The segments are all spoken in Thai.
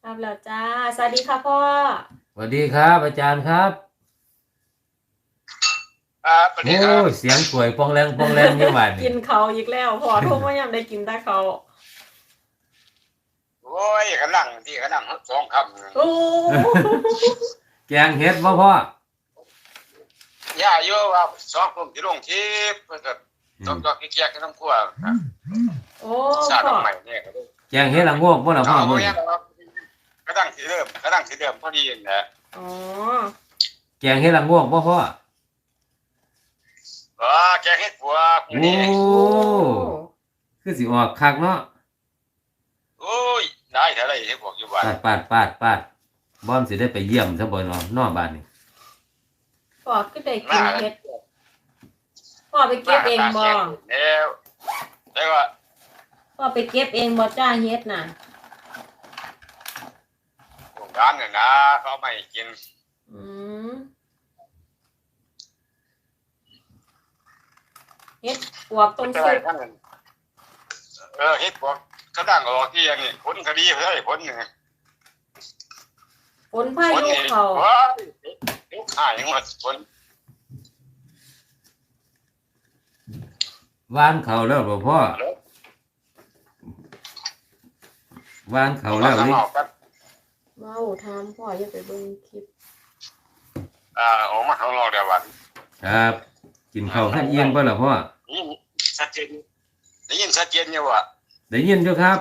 รับแล้วจ้าสวัสดีค่ะพ่อสวัสดีครับอาจารย์ครับครับสวัสโอ้ดีครับยเสียงสวยปองแรงปองแรงยี่หวานนี่กินเขาอีกแล้วพ่อโทรมายังได้กินแต่เขาโอ้ยกำลังที่กำลังสองคโอ้แกงเห็ดบ่พ่ำย่าโยว่าสองกลุ่มที่ลงที่เพื่อจะต้องจอกเกียกๆกันทั้งขั้วครับโอ้ชาติพ่อใหม่เนี่ยก็ได้แกงเห็ดละโงกบ่ล่ะพ่อเอาพวมื้อนี้กนี้นะครับกำลังสิเริ่มพอดีนะอ๋อแกงเห็ดละโงกบ่พ่อแกงเห็ดบัวโอมื้อนี้้โอ้คือสิออกคักเนาะโอ้ยได้เท่าไรที่บอกอยู่บ้านปาดบ่อนสิได้ไปเยี่ยมซะบ่เนาะนอกบ้านนี่พ่อก็ได้กินเฮ็ดพ่อไปเก็บเองบ่แล้วแต่ว่าพ่อไปเก็บเองบ่จ้าเฮ็ดน่ะโรงงานเนี่ยนะเขาไม่กินอืมเฮ็ดปวกต้นแต่สุกท่านเฮ็ดบอกกำลังออกที่อันนี้ผลคดีเฮ้ยผลเนี่ยฝนพายุเขาว้ายลูกหายหมดคนหวานเขาแล้วบ่พ่อหวานเขาแล้วนี่เว้าถามพ่ออย่าไปเบิ่งคลิปออกมาข้างนอกเดี๋ยววันครับกินข้าวท่านเอียงบ่ล่ะพ่อนี่ชัดเจนได้ยินชัดเจนอยู่ว่าได้ยินอยู่ครับ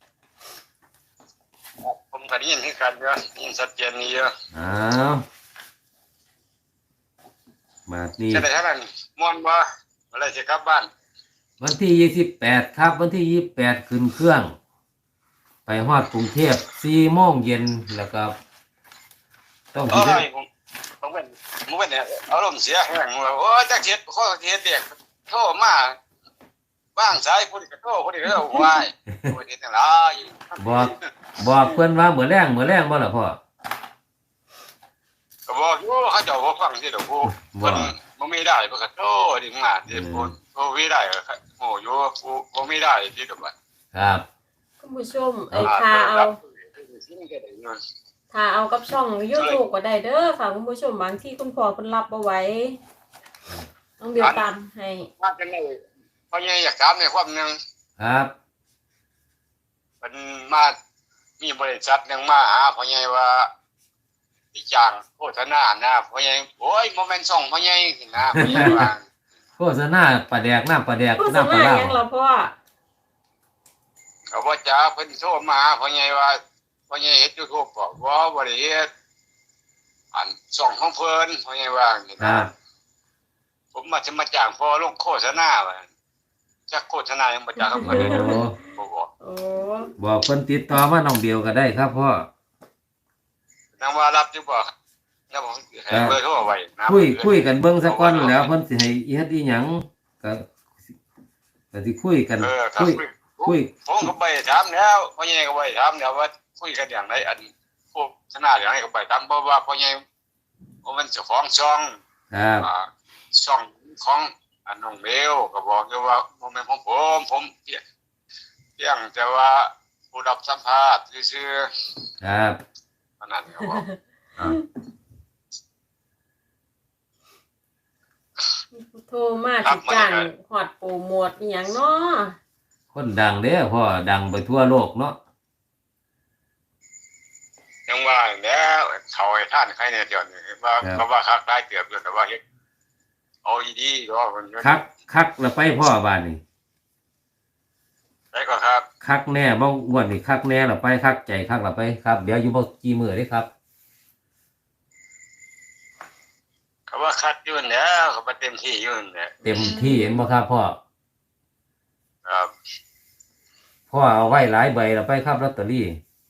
ผมก็ได้ยินที่กันเยอะได้ยินชัดเจนนี่เยอะอ้าวมานี่จะได้เท่านั้นม่วนบ่อะไรจะกลับบ้านวันที่28ครับวันที่28ขึ้นเครื่องไปฮอดกรุงเทพ4 โมงเย็นแล้วก็ต้องสิได้ผมเป็นเนี่ยอารมณ์เสียแห้งว่าโอ้ยจักเฮ็ดข้อเฮ็ดเด็กโทรมาบ้างสายผู้นี้ก็โทรผู้นี้ก็วายโอ้ยเฮ็ดจังได๋บอกบอกเพิ่นว่ามื้อแรงบ่ล่ะพ่อก็บอกอยู่เขาเจ้าบ่ฟังสิดอกผู้เพิ่นบ่มีได้เพิ่นก็โทรดิมาดิพูดโทรมีได้โอ้อยู่ผู้บ่มีได้สิดอกบัดครับคุณผู้ชมถ้าเอากับช่อง YouTube ก็ได้เด้อค่ะคุณผู้ชมบางที่คุณพ่อเพิ่นรับบ่ไหวต้องเบียวตามให้ว่าจังได๋พ่อใหญ่อยากถามในความนึงครับเพิ่นมามีบริษัทนึงมาหาพ่อใหญ่ว่าสิจ้างโฆษณานะพ่อใหญ่โอ้ยบ่แม่นช่องพ่อใหญ่นะพ่อใหญ่ว่าโฆษณาปลาแดกน้ำปลาแดกโฆษน้ำปลาณาลาหยังล่ะพ่อก็บ่จ้าเพิ่นโทรมาหาพ่อใหญ่ว่าพ่อใหญ่เฮ็ด YouTube บ่ได้เฮ็ดอันช่องของเพิ่นพ่อใหญ่ว่านี่นะผมมาจะมาจ้างพ่อลงโฆษณาว่าจักโฆษณายังบ่จ้างเขาบ่ได้บ่บอกโอ้บอกเพิ่นติดต่อมาน้องเดียวก็ได้ครับพ่อนางว่ารับอยู่บ่แล้วผมให้เบอร์โทรไว้นะคุยกันเบิ่งซะก่อนแล้วเพิ่นสิให้เฮ็ดอีหยังก็สิคุยกันครับคุยผมก็ไปถามแล้วพ่อใหญ่ก็ไปถามแล้วว่าคุยกันอย่างไรอันโฆษณาอย่างไรก็ไปถามเพราะว่าพ่อใหญ่มันเจ้าของช่องครับช่องของน้องเบลก็บอกอยู่ว่าบ่แม่นของผมเพียงแต่ว่าผู้รับสัมภาษณ์ซื่อๆครับๆนั่นก็บอกโทรมาสิจ้างฮอดโปรโมทอีหยังเนาะคนดังเด้อพ่อดังไปทั่วโลกเนาะยังว่าแล้วเขาให้ท่านใครเนี่ยเดี๋ยวนี้ว่าเขาว่าคักได้เกือบอยู่แต่ว่าเฮ็ดเอาดีๆก็มันคักแล้วไปพ่อบ้านนี่ได้ก็ครับคักแน่บ่อ้วนนี่คักแน่แล้วไปคักใจคักแล้วไปครับเดี๋ยวอยู่บ่กี่มื้อเด้ครับเขาว่าคัดอยู่แล้วเขาไปเต็มที่อยู่เนี่ยเต็มที่เห็นบ่ครับพ่อครับพ่อเอาไว้หลายใบแล้วไปครับลอตเตอรี่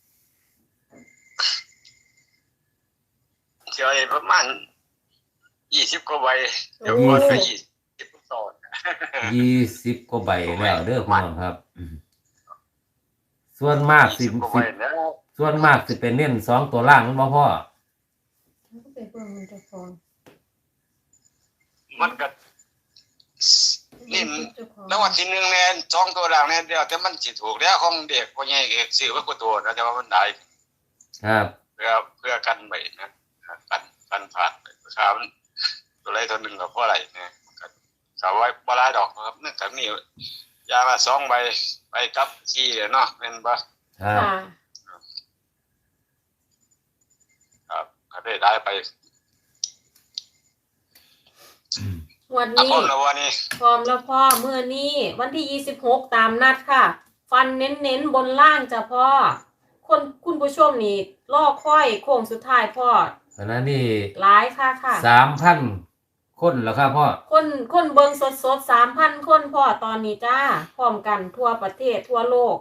เฉยประมาณ20กว่าใบเดี๋ยวหมดไป20ต่อ 20กว่าใบแล้วเด้อพี่น้องครับส่วนมากสิเป็นเน้น2ตัวล่างมันบ่พ่อมันก็นี่แล้ววันที่1แน่2ตัวล่างแน่เดียวแต่มันสิถูกแล้วของเด็กพ่อใหญ่เอกซื้อไว้กว่าตัวนะแต่ว่ามันได้ครับเพื่อกันไว้นะกันผ่านข่าวตัวไรตัวหนึ่งกับพวกอะไรเนี่ยข่าวไว้ปลายดอกครับเนื่องจากนี่ยาละ2 ใบไปกับชี้เนาะเป็นบ่ครับค่ะครับก็ได้ไปวันอ่ะนี้พ่อละวันนี้พร้อมแล้วพ่อมื้อนี้วันที่26ตามนัดค่ะ ฟันเน้นๆบนล่างจ้ะพ่อคุณผู้ชมนี่รอค่อยโค้งสุดท้ายพ่อขณะนี้หลายค่ะค่ะ 3,000 คนแล้วครับพ่อคนเบิงสดๆ3,000 คนพ่อตอนนี้จ้าพร้อมกันทั่วประเทศทั่วโลก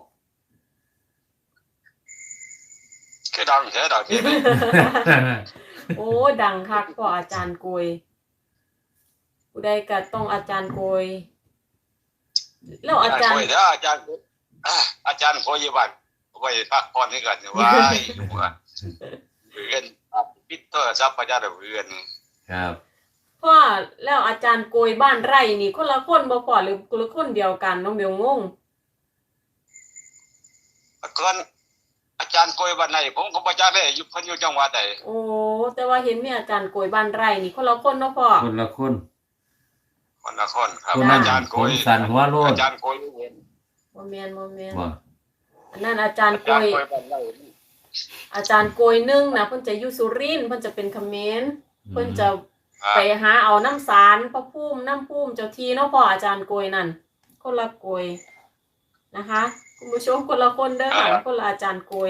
คือดังแค่ดอกนี้โอ้ดังคักพ่ออาจารย์โกยผู้ใดก็ต้องอาจารย์โกยแล้วอาจารย์คุยเด้ออาจารย์โคยบ้านไว้พักผ่อนให้กันไว้เพื่อนปิดโทรศัพท์อาจารย์เพื่อนนี่ครับพ่อแล้วอาจารย์โกยบ้านไร่นี่คนละคนบ่พ่อหรือคนละคนเดียวกันน้องเบลงงก่อนอาจารย์โกยบ้านไหนผมก็บ่จักได้อยู่เพิ่นอยู่จังหวัดใดโอ้แต่ว่าเห็นมีอาจารย์โกยบ้านไร่นี่คนละคนเนาะพ่อคนละคนคนละคนครับคนนั้นอาจารย์โกผมยสั่นหัวโลดอาจารย์โกยเห็นบ่แม่นบ่อันนั้นอาจารย์อาโกจารย์ยโกยบ้านไหนอาจารย์โกยนึ่งนะเพิ่นจะอยู่สุรินทร์เพิ่นจะเป็นเขมรเพิ่นจะไปหาเอาน้ำสารพระภูมิน้ำภูมิเจ้าที่เนาะพ่ออาจารย์โกยนั่นคนละโกยนะคะคุณผู้ชมคนละคนเด้อค่ะคนละอาจารย์โกย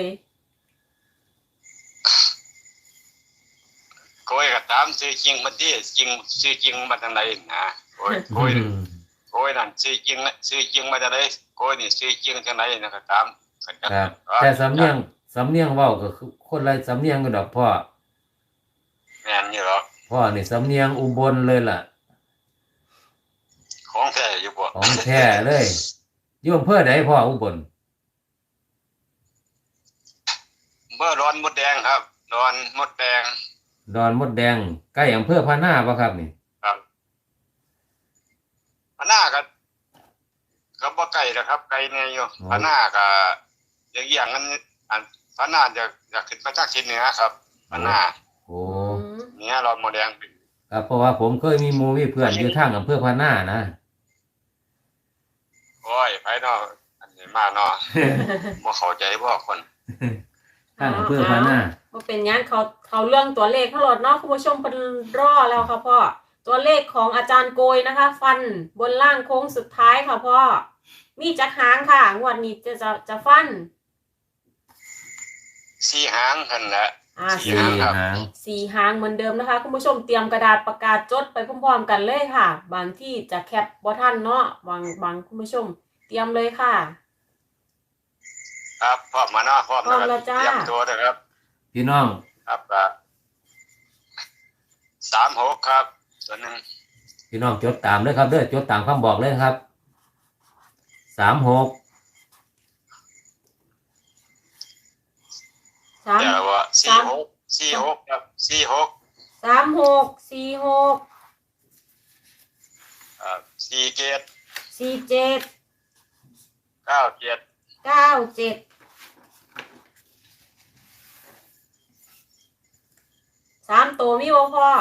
โกยก็ตามชื่อจริงมันที่จริงชื่อจริงมาทางไหนนะโกยนั่นชื่อจริงมาจากไหนโกยนี่ชื่อจริงทางไหนนะครับตามครับแต่สำเนียงเว้าก็คือคนละสำเนียงกันดอกพ่อแม่นอยู่หรอกพ่อนี่สำเนียงอุบลเลยล่ะของแท้อยู่บ่ของแท้เลยอยู่อำเภอใดพ่ออุบลเมื่อร้อนมดแดงครับร้อนมดแดงดอนมดแดงใกล้อำเภอพะนาบ่ครับนี่ครับพน้าก็บ่ไกลนะครับไกลแน่อยู่พน้าก็อย่างนั้นอันพน้าจะขึ้นมาจากทิศเหนือครับพน้าโอ้เนี่ยร้อนมดแดงครับเพราะว่าผมเคยมีหมู่มีเพื่อนอยู่ทางอำเภอพะนานะโอ้ยไผเนาะอันนี้มาเนาะบ่เข้าใจบ่คนทางอำเภอพะนาบ่เป็นหยังเขาเรื่องตัวเลขเขาโหลดเนาะคุณผู้ชมเพิ่นรอแล้วค่ะพ่อตัวเลขของอาจารย์โกยนะคะ ฟันบนล่างโค้งสุดท้ายค่ะพ่อมีจักหางค่ะงวดนี้จะฟัน 4 หางหั่นแหละสี่หางครับหางสี่หางเหมือนเดิมนะคะคุณผู้ชมเตรียมกระดาษปากกาจดไปพร้อมๆกันเลยค่ะ บางที่จะแคปบ่ทันเนาะบางคุณผู้ชมเตรียมเลยค่ะครับพร้อมมาเนาะพร้อมพร้อมแล้วจ้าเตรียมตัวเด้อครับพี่น้องครับ36ครับตัวหนึงพี่น้องจดตามเลยครับเด้อจดตามคำบอกเลยครับ36 สามเดี๋ยวว่า46ครับ46 36 46 47 47 97 97 3ตัวมีบ่พ่อ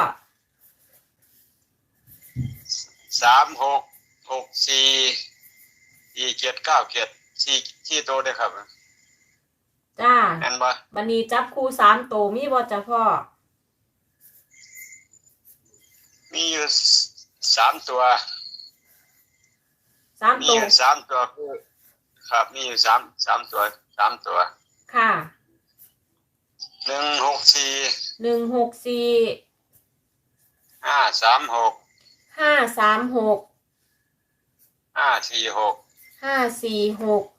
4797 ตัวได้ครับจ้านั่นบ่บัดนี้จับคู่3ตัวมีบ่จ้ะพ่อมีอยู่3ตัว 3 มีตัอวยู่3ตัวคือครับมีอยู่3ตัว3ตัวค่ะ 164 164 536 536 546 546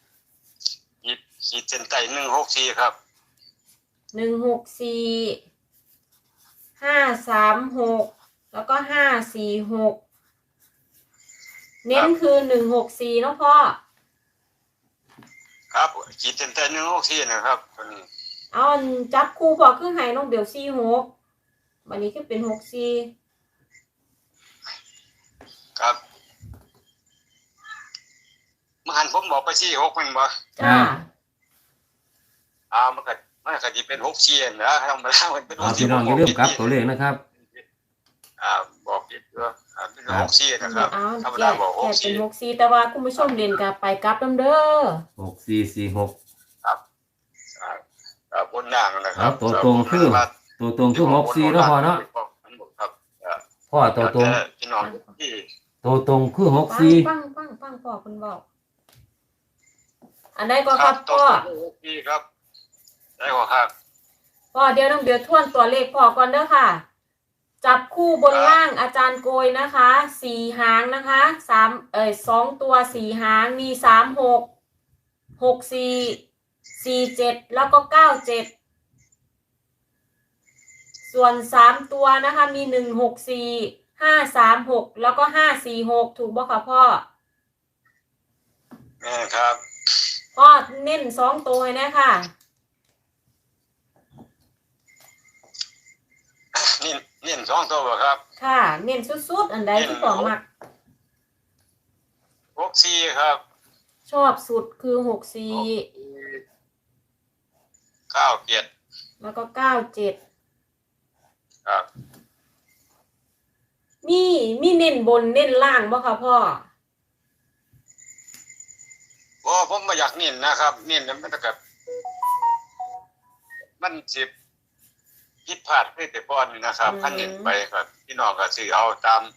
ขีดเส้นใต้164ครับ 164 536แล้วก็546เน้นคือ164เนาะพ่อครับขีดเส้นใต้164นะครับตัวนี้เอาอันจับคู่พอคือให้น้องเบล46บัดนี้คือเป็น64 ครับมหันผมบอกไป46มันบ่จ้ามันมันก็จะเป็น6 4นะธรรมดามันเป็น6 พี่น้องอย่าลืมกลับตัวเลขนะครับบอกผิดด้วยเป็น6 4นะครับเอาธรรมแกดาบอกแกเป็น 6 64แต่ว่าคุณผู้ชมเรียนกับไปกลับนำเด้อ 6446 4ครับบนล่างนะคครัรับบ ตัวตรงคือ64เนาะพ่อเนาะครับพ่อตัวตรงพี่น้องที่ตัวตรงคือฟัง 64 ฟังพ่อคุณบอกอันใดก็ครับตัวพ่อตรง6 4ครับได้ก็ครับพ่อเดี๋ยวน้องเดือทวนตัวเลขพ่อก่อนเด้อค่ะ จับคู่บนล่างอาจารย์โกยนะคะ4 หางนะคะ2 ตัว4 หางมี 36 64 47แล้วก็97ส่วน3 ตัวนะคะมี164 536แล้วก็546ถูกบ่คะพ่อครับพ่อเน้น2 ตัวให้นะค่ะนี่2 ตัวครับค่ะ เน้นสุดๆอันใดที่พ่อมัก 6 4ครับชอบสุดคือ64 9 7 แล้วก็97 ครับมีเน้นบนเน้นล่างบ่คะพ่อผมไม่อยากเน้นนะครับเน้นมันก็มันสิผิดพลาดไปแต่ก่อนนี่นะครับพันเน้นไปครับพี่น้องก็สิเอาตาม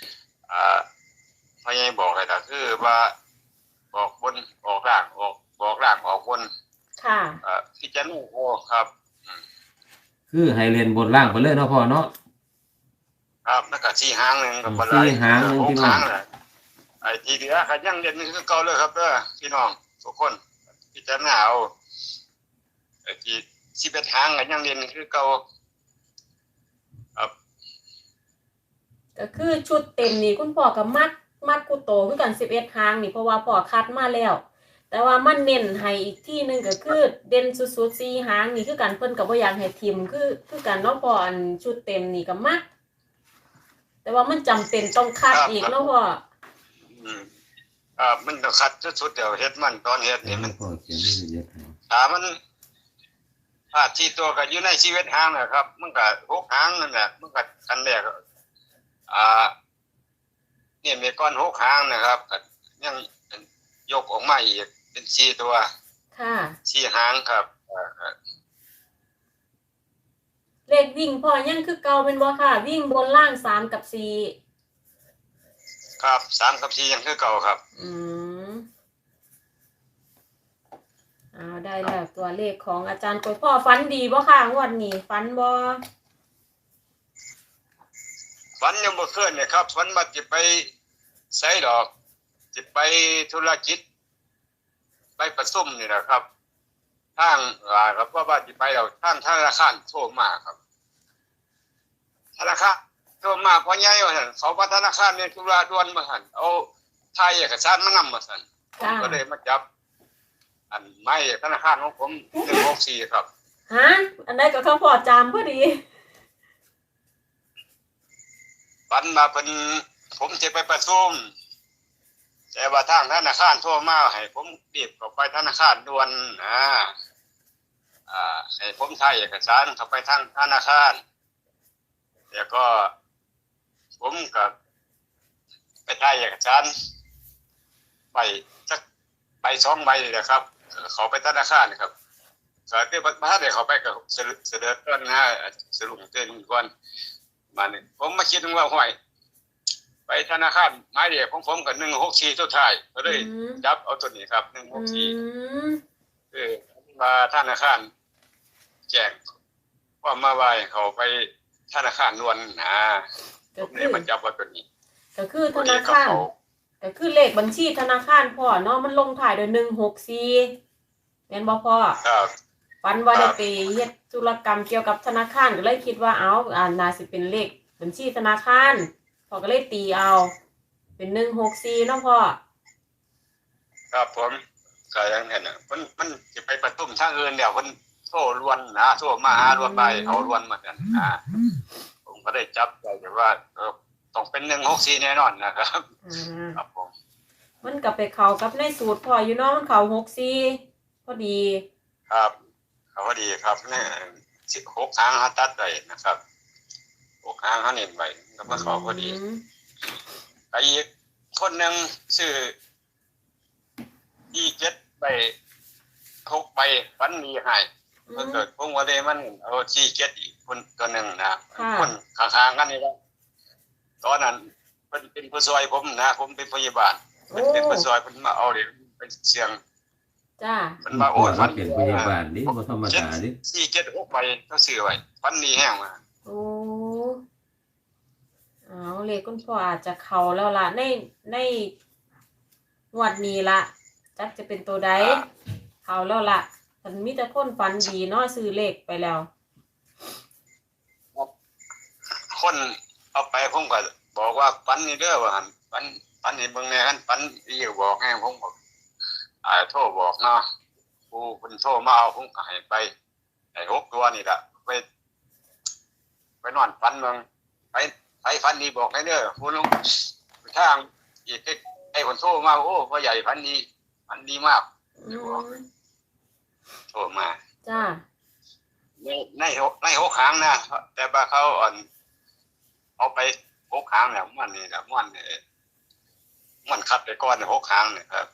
พยายบอกให้ก็คือว่าบอกบนออกล่างบอกล่างออกบนค่ะพิจารณาโอ้ครับคือให้เรียนบนล่างไปเลยเนาะพ่อเนาะครับแล้วก็4 หางนึงก็บ่หลาย 4 หางนึงพี่น้อง 6 หางน่ะไอ้ที่เหลือก็ยังเรียนคือเก่าเลยครับเด้อพี่น้องทุกคนพิจารณาเอาไอ้ที่11 หางก็ยังเรียนคือเก่าครับก็คือชุดเต็มนี่คุณพ่อกับมัดกูโตคือกัน11 หางนี่เพราะว่าพ่อคัดมาแล้ว แต่ว่ามันเน้นให้อีกที่นึงก็คือเด่นสุดๆ4 หางนี่คือกันเพิ่นก็บ่อยากให้ทิมคือกันเนาะพ่ออันชุดเต็มนี่ก็มักแต่ว่ามันจำเป็นต้องคัดอีกเนาะพ่อมันต้องคัดสุดๆเดี๋ยวเฮ็ดมันตอนเฮ็ดนี่มันพ่อเขียนให้ละเอียดให้ถ้ามันพลาดที่ตัวก็อยู่ในชีวิตหางนะครับ มันก็6 หางนั่นแหละมันก็อันแรกเนี่ยมีก้อน6 หางนะครับก็ยังยกออกมาอีกเป็น4 ตัวค่ะ 4 หางครับเลขวิ่งพ่อยังคือเก่าเป็นบ่ค่ะ วิ่งบนล่าง3กับ4 ครับ3กับ4ยังคือเก่าครับเอาได้แล้วตัวเลขของอาจารย์กวยพ่อฟันดีบ่ค่ะงวดนี้ฟันบ่ฝันยังบ่เคยเนี่ยครับฝันว่าจะไปไสดอกจะไปธุรกิจไปประชุมนี่นะครับทางครับว่าจะไปแล้วทางธนาคารโทรมาครับธนาคารโทรมาพ่อใหญ่ว่าซั่นเขาว่าธนาคารเนี่ยธุระด่วนมาซั่นเอาถ่ายเอกสารมานำมาซั่นผมก็เลยมาจับอันไม่ธนาคารของผม164ครับฮะอันใดก็เขาพอจามพอดีฝันมาเป็นผมจะไปประชุมแต่ว่าทางธนาคารโทรมาให้ผมรีบเข้าไปธนาคารด่วนให้ผมถ่ายเอกสารเข้าไปทางธนาคารแล้วก็ผมก็ไปถ่ายเอกสารไปสักใบ2 ใบเลยนะครับเขาไปธนาคารครับก็ได้มาได้เขาไปกับเสด็จก่อนนะสรุปเตือนก่อนมาเนี่ยผมมาคิดว่าห้วยไปธนาคารหมายเลขของผมกับ164สุดท้ายก็เลยจับเอาตัวนี้ครับ164คือมาธนาคารแจ้งว่ามาไว้เขาไปธนาคารด่วนผมเลยมาจับว่าตัวนี้ก็คือธนาคารก็คือเลขบัญชีธนาคารพ่อเนาะมันลงท้ายด้วย164แม่นบ่พ่อครับฝันว่าได้ไปเฮ็ดธุรกรรมเกี่ยวกับธนาคารก็เลยคิดว่าน่าสิเป็นเลขบัญชีธนาคารพ่อก็เลยตีเอาเป็น164เนาะพ่อครับผมก็อย่างนั้นน่ะมันสิไปประชุมทางอื่นแล้วเพิ่นโทรล้วนโทรมาหาล้วนไปเอาล้วนมากันผมก็ได้จับใจว่าต้องเป็น164แน่นอนนะครับครับผมมันก็ไปเข้ากับในสูตรพ่ออยู่เนาะมันเข้า64พอดีครับเขาพอดีครับเนี่ย16 หางเขาตัดไว้นะครับ6 หางเขาเน้นไว้ก็มาเขาพอดีไอ้อีกคนหนึ่งซื้อ7 ใบ 6 ใบฟันดีให้มันเกิดพวกว่าเลยมันเอา7อีกคนตัวหนึ่งนะคนข้างๆกันนี่แหละตอนนั้นเป็นผู้ซอยผมนะผมเป็นพยาบาลเป็นผู้ซอยผมมาเอาเด็กเป็นเสียงจ้ามันมาโอ้ยฟันเป็นพยาบาลนี่บ่ธรรมดาดิ 6 ใบเขาซื้อไว้ฟันดีแห้งมาโอ้เอาเลขคุณพ่ออาจจะเข้าแล้วล่ะในงวดนี้ละจักจะเป็นตัวใดเข้าแล้วล่ะมันมีแต่คนฝันดีเนาะซื้อเลขไปแล้วคนเอาไปผมก็บอกว่าฟันนี่เด้อว่าหั่นฟันนี่เบิ่งแน่กันฟันอีกบอกให้ผมบอกโทรบอกเนาะผู้เพิ่นโทรมาเอาผมก็ให้ไปไอ้6 ตัวนี่ล่ะไปนอนฟันเมืองไปฟันดีบอกให้เด้อผู้ลงทางอีกไอ้คนโทรมาโอ้พ่อใหญ่ฟันดีมากโทรมาจ้าใน6 หางนะแต่ว่าเขาเอาไป6 หางแล้วมันนี่ล่ะมันคัดไปก่อน6 หางนี่ครับ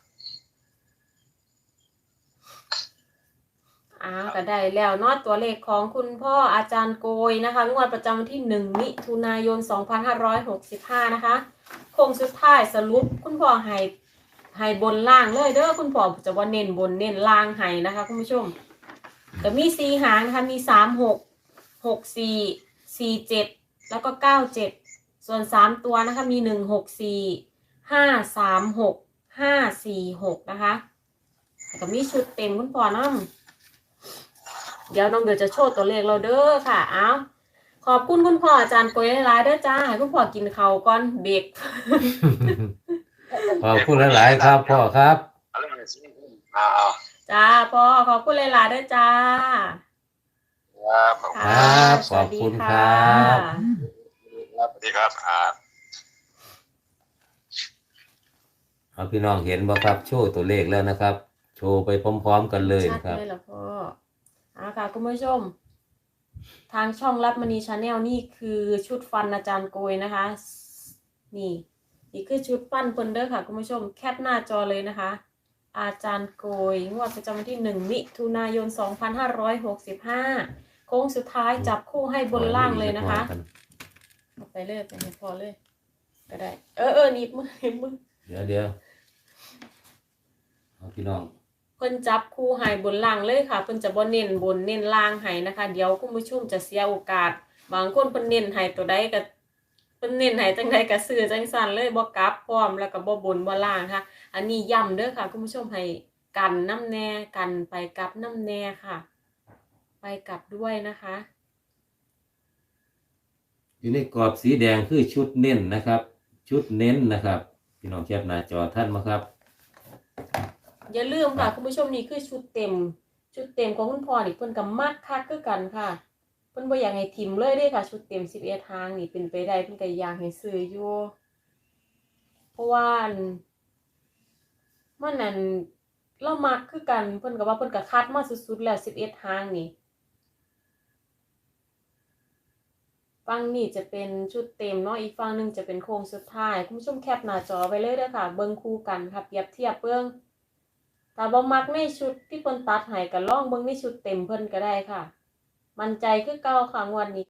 ก็ได้แล้วเนาะตัวเลขของคุณพ่ออาจารย์โกยนะคะงวดประจำวันที่1 มิถุนายน 2565นะคะโค้งสุดท้ายสรุปคุณพ่อให้บนล่างเลยเด้อคุณพ่อจะว่าเน้นบนเน้นล่างให้นะคะคุณผู้ชมก็มี4 หางนะคะมี36 64 47แล้วก็97ส่วน3 ตัวนะคะมี164 536 546นะคะก็มีชุดเต็มคุณพ่อนำเดี๋ยวน้องเดี๋ยวจะโชว์ตัวเลขเราเด้อค่ะเอาขอบคุณคุณพ่ออาจารย์โกยหลายๆเด้อจ้าให้คุณพ่อกินข้าวก่อนเบรกขอบคุณหลายๆครับพ่อครับจ้าพ่อขอบคุณหลายๆเด้อจ้าครับขอบคุณครับสวัสดีครับเอาพี่น้องเห็นบ่ครับโชว์ตัวเลขแล้วนะครับ โชว์ไปพร้อมๆกันเลยนะครับชัดเลยเหรอพ่อค่ะคุณผู้ชมทางช่องรับมณีชาแนลนี่คือชุดฟันอาจารย์โกยนะคะนี่คือชุดฟันเพิ่นเด้อค่ะคุณผู้ชมแคปหน้าจอเลยนะคะอาจารย์โกยงวดประจำวันที่1 มิถุนายน 2565โค้งสุดท้ายจับคู่ให้บนล่างเลยนะคะไปเลยไปให้พอเลยก็ได้หนีบมือเดี๋ยวเอาพี่น้องเพิ่นจับคู่ให้บนล่างเลยค่ะเพิ่นจะบ่เน้นบนเน้นล่างให้นะคะเดี๋ยวคุณผู้ชมจะเสียโอกาสบางคนเพิ่นเน้นให้ตัวใดก็เพิ่นเน้นให้จังใดก็ซื้อจังซั่นเลยบ่กลับพร้อมแล้วก็บ่บนบ่ล่างค่ะอันนี้ย้ำเด้อค่ะคุณผู้ชมให้กันน้ำแน่กันไปกลับน้ำแน่ค่ะไปกลับด้วยนะคะอยู่ในกรอบสีแดงคือชุดเน้นนะครับ ชุดเน้นนะครับพี่น้องแคปหน้าจอท่านมาครับอย่าลืมค่ะคุณผู้ชมนี่คือชุดเต็มของคุณพ่อนี่เพิ่นก็มักคักคือกันค่ะเพิ่นบ่อยากให้ทิมเลยเด้ค่ะชุดเต็ม11 ทางนี่เป็นไปได้เพิ่นก็อยากให้ซื้ออยู่เพราะว่ามันนั่นเรามักคือกันเพิ่นก็ว่าเพิ่นก็คัดมาสุดๆแล้ว11 ทางนี่ฝั่งนี้จะเป็นชุดเต็มเนาะอีกฝั่งนึงจะเป็นโค้งสุดท้ายคุณผู้ชมแคปหน้าจอไว้เลยเด้อค่ะเบิ่งคู่กันค่ะเปรียบเทียบเบิ่งถ้าบ่มักในชุดที่เพิ่นตัดให้ก็ลองเบิ่งในชุดเต็มเพิ่นก็ได้ค่ะมั่นใจคือเก่าค่ะงวดนี้